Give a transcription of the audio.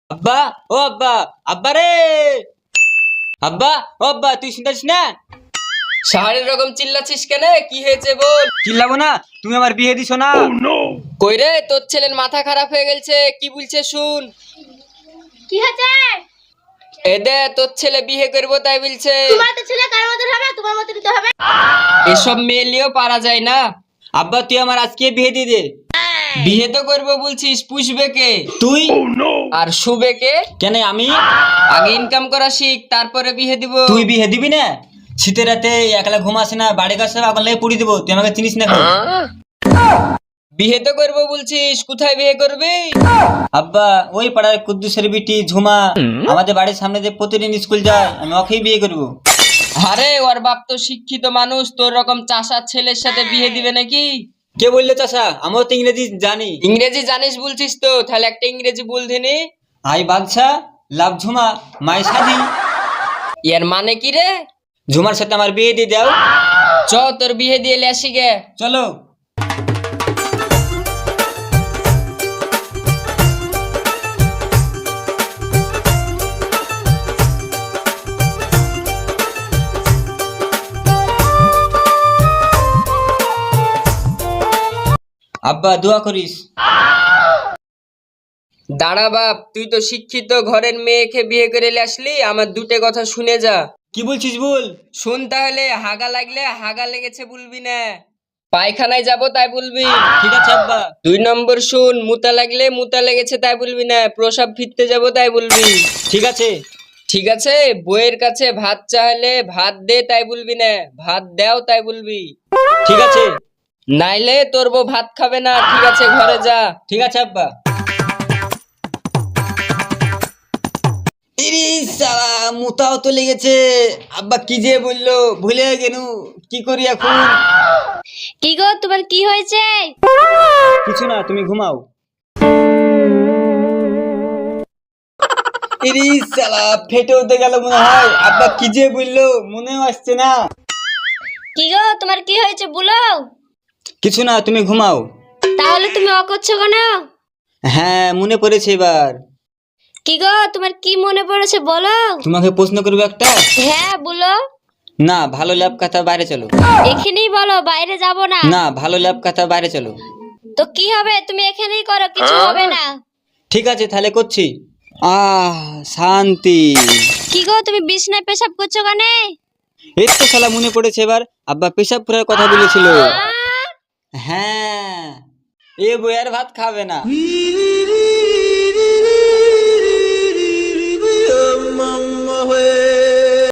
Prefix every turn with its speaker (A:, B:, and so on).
A: আব্বা, ও আব্বা, আব্বা রে, আব্বা, ও আব্বা, তুই শুনতেছিস না?
B: সাহারের রকম চিল্লাছিস কেন? কি হয়েছে বল।
A: চিল্লাবো না, তুমি আমার বিয়ে দিছো না।
B: কই রে, তোর ছেলের মাথা খারাপ হয়ে গেছে, কি বলছে শুন।
C: কি হয়েছে?
B: এদে তোর ছেলে বিয়ে করবো তাই বলছে।
C: তোমার তো ছেলে কার মতো হবে, তোমার মতো দিতে হবে।
B: এসব মেয়েলিও পারা যায় না।
A: আব্বা, তুই আমার আজকে বিয়ে দিয়ে দে।
B: বিয়ে তো করবো বলছিস, পুষবে কে?
A: তুই
B: আর শুবে কে?
A: কেন আমি?
B: আগে ইনকাম করা শিখ, তারপরে বিয়ে দিব।
A: তুই বিয়ে দিবি না? শীতের রাতে একলা ঘুম আসে না, বাড়ি কাছে আগুন লাগে পুড়ি দিব, তুই আমাকে চিনিস না?
B: বিয়ে তো করবো বলছিস, কোথায় বিয়ে করবি?
A: আব্বা, ওই পাড়ার কুদ্দুসের বিটি ঝুমা আমাদের বাড়ির সামনে যে প্রতিদিন স্কুল যায়, আমি ওকেই বিয়ে করবো।
B: আরে ওর বাপ তো শিক্ষিত মানুষ, তোর রকম চাষার ছেলের সাথে বিয়ে দিবে নাকি?
A: কে বললো চাষা? আমিও তো ইংরেজি জানি।
B: ইংরেজি জানিস বলছিস তো, তাহলে একটা ইংরেজি বল দিনি।
A: আই বাদশা, লাভ ঝুমা, মাই শাদি।
B: এর মানে কি রে?
A: ঝুমার সাথে আমার বিয়ে দিয়ে দাও।
B: চ তোর বিয়ে দিয়ে আসি গে।
A: চলো। আব্বা, দোয়া করিস।
B: দাঁড়া বাপ, তুই তো শিক্ষিত ঘরের মেয়েকে বিয়ে করে আসলি, আমার দুটো কথা শুনে যা।
A: কি বলছিস বল।
B: শুন তাহলে, হাগা লাগলে হাগা লেগেছে বলবি না, পায়খানায় যাব তাই বলবি।
A: ঠিক আছে আব্বা।
B: 2 নম্বর শুন, মুতা লাগলে মুতা লেগেছে তাই বলবি না, প্রসাব ফিরতে যাব তাই বলবি।
A: ঠিক আছে।
B: ঠিক আছে। বইয়ের কাছে ভাত চাইলে ভাত দে তাই বলবি না, ভাত দাও তাই বলবি।
A: ঠিক আছে।
B: নাইলে তোর বউ ভাত খাবে না। ঠিক আছে, ঘরে যা।
A: ঠিক আছে আব্বা। ইরিস সালা, মুতাও তো লেগেছে। আব্বা কি যে বললো, ভুলে গেলু, কি করি এখন?
C: কি গো, তোমার কি হয়েছে?
A: কিছু না, তুমি ঘুমাও। ইরিস সালা, ফেটে উঠে গেল মনে হয়। আব্বা কি যে বললো, মনেও আসছে না।
C: কি গো, তোমার কি হয়েছে বলো।
A: কিছু না, তুমি ঘুমাও।
C: তাহলে তুমি করছো কেন?
A: হ্যাঁ, মনে পড়েছে এবার।
C: কি গো, তোমার কি মনে পড়েছে বলো।
A: তোমাকে প্রশ্ন করবো একটা।
C: হ্যাঁ বলো।
A: না, ভালো ল্যাব কথা, বাইরে চলো।
C: এখানেই বলো, বাইরে যাব না।
A: না, ভালো ল্যাব কথা, বাইরে চলো।
C: তো কি হবে, তুমি এখানেই করো, কিছু হবে না।
A: ঠিক আছে, তাহলে করছি। শান্তি।
C: কি গো, তুমি বিছনায় পেশাব করছো কেন?
A: এই তো শালা মনে পড়েছে এবার। আব্বা পেশাব করার কথা বলেছিল। হ্যাঁ, এ বইয়ের ভাত খাবে না।